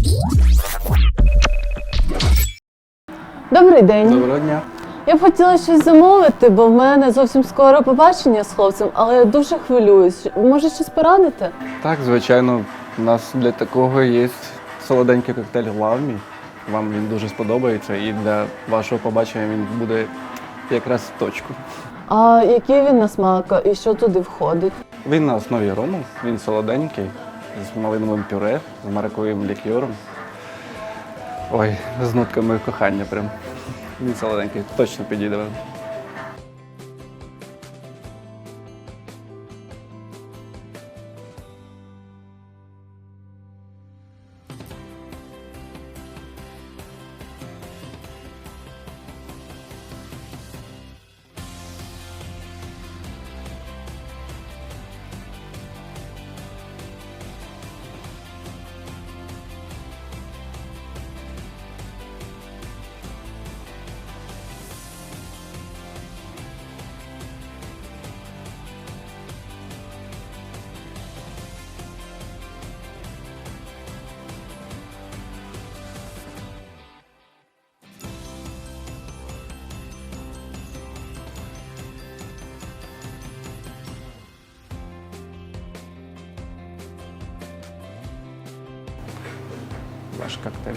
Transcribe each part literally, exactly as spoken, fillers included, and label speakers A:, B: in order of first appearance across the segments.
A: Добрий день.
B: Доброго дня.
A: Я б хотіла щось замовити, бо в мене зовсім скоро побачення з хлопцем, але я дуже хвилююсь. Може, щось порадите?
B: Так, звичайно, у нас для такого є солоденький коктейль «Лавмі». Вам він дуже сподобається і для вашого побачення він буде якраз в точку.
A: А який він на смак і що туди входить?
B: Він на основі рому, він солоденький, з малиновим пюре, з маракуєвим лікьором. Ой, з нотками кохання прям. Він солоденький, точно підійде вам. Ваш коктейль.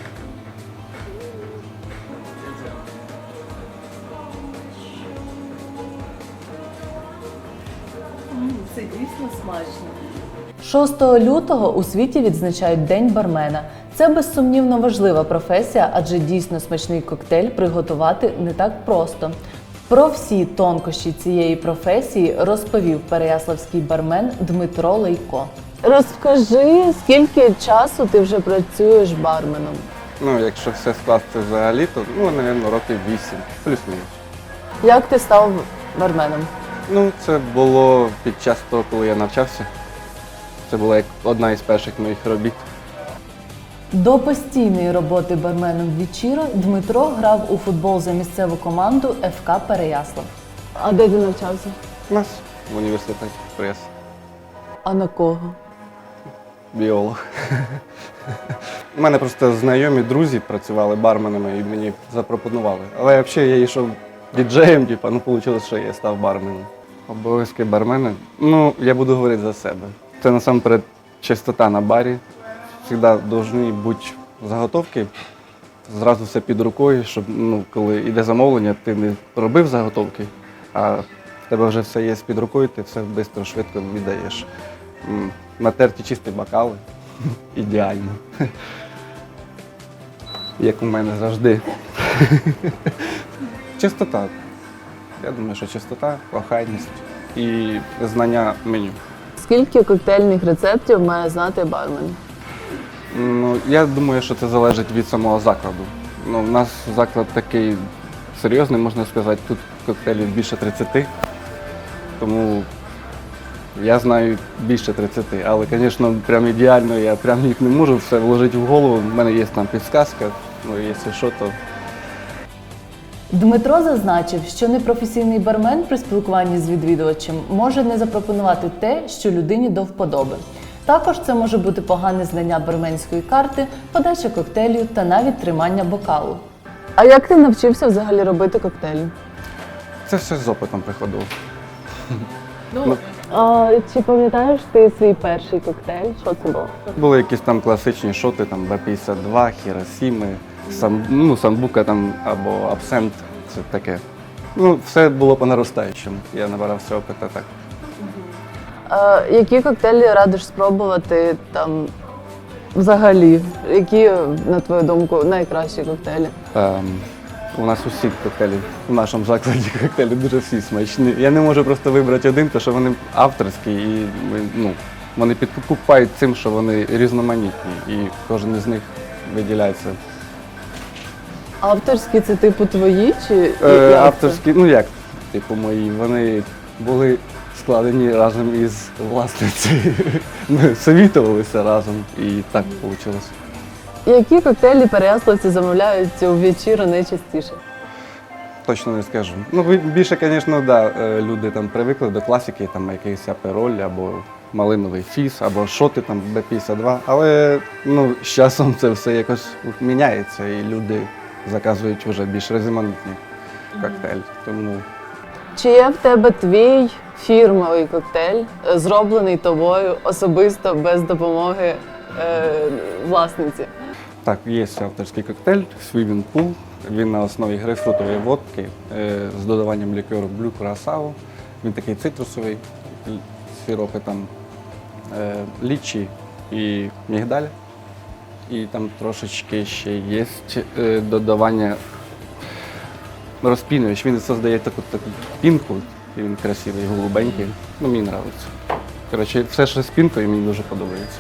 A: Це дійсно смачно. шостого лютого у світі відзначають День бармена. Це безсумнівно важлива професія, адже дійсно смачний коктейль приготувати не так просто. Про всі тонкощі цієї професії розповів переяславський бармен Дмитро Лейко. Розкажи, скільки часу ти вже працюєш барменом?
B: Ну, якщо все скласти взагалі, то, ну, мабуть, років вісім, плюс-мінус.
A: Як ти став барменом?
B: Ну, це було під час того, коли я навчався. Це була як одна із перших моїх робіт.
A: До постійної роботи барменом в Вічіро Дмитро грав у футбол за місцеву команду еф ка Переяслав. А де ти навчався?
B: У нас в університеті прес.
A: А на кого?
B: Біолог. У мене просто знайомі друзі працювали барменами і мені запропонували. Але взагалі я йшов діджеєм, типу, ну вийшло, що я став барменом. Обов'язки бармена? Ну, я буду говорити за себе. Це насамперед чистота на барі. Завжди повинні бути заготовки, зразу все під рукою, щоб, ну, коли йде замовлення, ти не робив заготовки, а в тебе вже все є під рукою, ти все швидко, швидко віддаєш. М, Натерті чисті бокали. Ідеально. Як у мене завжди. Чистота. Я думаю, що чистота, охайність і знання меню.
A: Скільки коктейльних рецептів має знати бармен?
B: Ну, я думаю, що це залежить від самого закладу. Ну, у нас заклад такий серйозний, можна сказати, тут коктейлів більше тридцяти, тому я знаю більше тридцяти, але, звісно, прям ідеально я прям їх не можу все вложити в голову. У мене є там підсказка, ну, якщо що, то...
A: Дмитро зазначив, що непрофесійний бармен при спілкуванні з відвідувачем може не запропонувати те, що людині до вподоби. Також це може бути погане знання барменської карти, подача коктейлю та навіть тримання бокалу. А як ти навчився взагалі робити коктейлі?
B: Це все з опитом приходило.
A: Ну, а, чи пам'ятаєш ти свій перший коктейль? Що це було?
B: Були якісь там класичні шоти, там Б п'ятдесят два, Хіросіми, сам, ну, самбука там або абсент, це таке. Ну, все було по наростаючому. Я набирався опиту так.
A: А, які коктейлі радиш спробувати там взагалі? Які, на твою думку, найкращі коктейлі?
B: Ем, у нас усі коктейлі, в нашому закладі коктейлі дуже всі смачні. Я не можу просто вибрати один, тому що вони авторські і ну, вони підкупають цим, що вони різноманітні і кожен із них виділяється.
A: Авторські це типу твої чи
B: Е,
A: як
B: авторські, ну як, типу мої, вони були складені разом із власницею. Ми совітувалися разом і так вийшло.
A: це? Які коктейлі переяславці замовляють у вечіру найчастіше?
B: Точно не скажу. Ну, ви- більше, звісно, да, е, люди там привикли до класики, там якийсь апероль або малиновий фіс або шоти там Б п'ятдесят два. Але ну, з часом це все якось міняється і люди заказують вже більш різноманітні коктейлі. Тому
A: Чи є в тебе твій фірмовий коктейль, е, зроблений тобою особисто без допомоги е, власниці?
B: так, є авторський коктейль Swimming Pool. Він на основі грейпфрутової водки е, з додаванням лікеру Blue Curaçao. Він такий цитрусовий, л- сиропи там е, лічі і мігдаль. І там трошечки ще є е, додавання розпінювач. Він создає таку, таку пінку, і він красивий, голубенький. Ну, мені подобається. Коротше, все, що з пінкою, мені дуже подобається.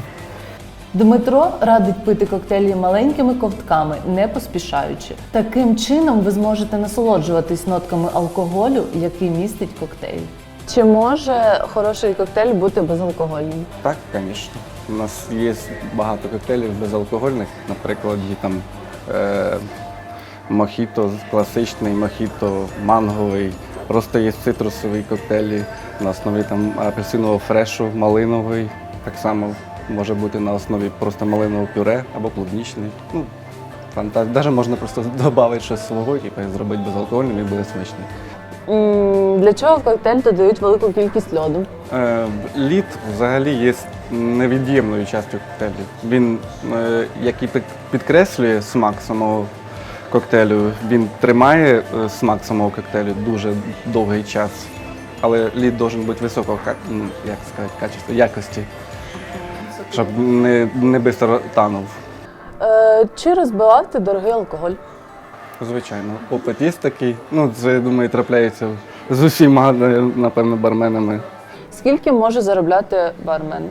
A: Дмитро радить пити коктейлі маленькими ковтками, не поспішаючи. Таким чином ви зможете насолоджуватись нотками алкоголю, який містить коктейль. Чи може хороший коктейль бути безалкогольним?
B: Так, звісно. У нас є багато коктейлів безалкогольних, наприклад, є там е, мохіто класичний, мохіто манговий, просто є цитрусові коктейлі на основі там апельсинового фрешу, малиновий, так само може бути на основі просто малинового пюре або клубнічний. Ну, фантазія. Навіть можна просто додати щось свого, типу, і зробити безалкогольним і буде смачний.
A: М, Для чого в коктейль додають велику кількість льоду?
B: Е, Лід взагалі є невід'ємною частю коктейлю. Він, е, як і під- підкреслює смак самого коктейлю, він тримає е, смак самого коктейлю дуже довгий час. Але лід має бути високого ка- ну, як сказати, качества, якості, щоб не, не швидко танув.
A: Е, Чи розбивав ти дорогий алкоголь?
B: Звичайно, опит є такий. Ну, це, я думаю, трапляється з усіма, напевно, барменами.
A: Скільки може заробляти бармен?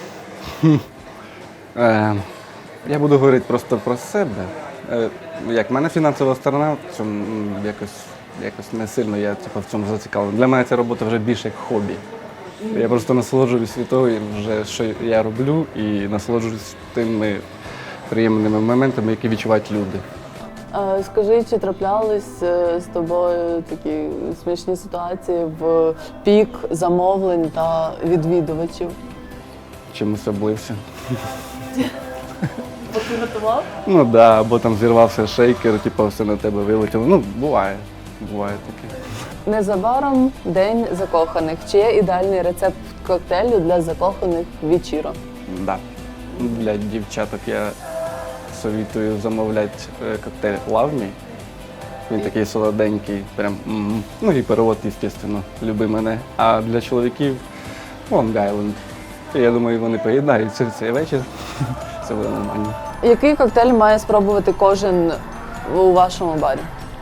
B: Е, я буду говорити просто про себе. Е, як в мене фінансова сторона, в цьому м, якось, якось не сильно я типу, в цьому зацікавлений. Для мене ця робота вже більше як хобі. Я просто насолоджуюсь від того, вже, що я роблю, і насолоджуюсь тими приємними моментами, які відчувають люди.
A: Е, Скажи, чи траплялись е, з тобою такі смішні ситуації в пік замовлень та відвідувачів?
B: Чимось облився.
A: Бо ти готував?
B: Ну так, да, або там зірвався шейкер, типу, все на тебе вилетіло. Ну, буває, буває таке.
A: Незабаром День закоханих. Чи є ідеальний рецепт коктейлю для закоханих вечірок?
B: Да. Для дівчаток я совітую замовляти е, коктейль Love Me. Він такий солоденький, прям м. Ну і перевод, звісно, люби мене. А для чоловіків Long Island. Я думаю, вони поєднаються в цей вечір. Це буде нормально.
A: Який коктейль має спробувати кожен у вашому барі?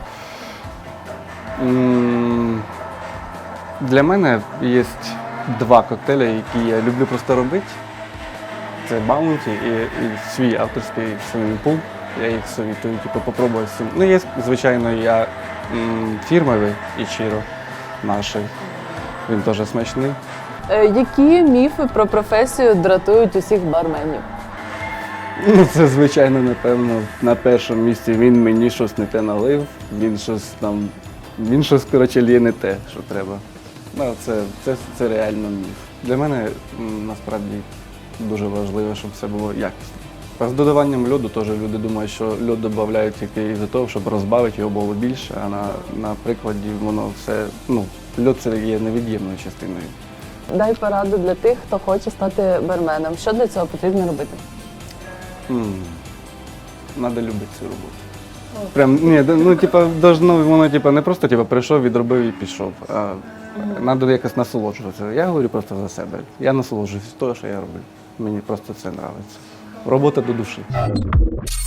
B: М, Для мене є два коктейлі, які я люблю просто робити. Це Bounty і, і свій авторський Swimming Pool. Я їх совітую, типу, попробувати. всім. Ну, є, звичайно, я м, фірмовий Ichiro наш. Він теж смачний.
A: Е, Які міфи про професію дратують усіх барменів?
B: Ну, це, звичайно, напевно, на першому місці він мені щось не те налив, він щось там, він щось, коротше, лє не те, що треба. Ну, це, це, це реально міф. Для мене м, насправді дуже важливо, щоб все було якісно. А з додаванням льоду теж люди думають, що льод додають тільки із-за того, щоб розбавити його було більше, а на, на прикладі воно все, ну, льод це є невід'ємною частиною.
A: Дай пораду для тих, хто хоче стати барменом. Що для цього потрібно робити?
B: М, Надо любити цю роботу. Прям, ні, да, ну, типа, должно, воно типа, не просто типа, прийшов, відробив і пішов. А треба якось насолоджуватися. Я говорю просто за себе. Я насолоджуюсь того, що я роблю. Мені просто це подобається. Робота до душі.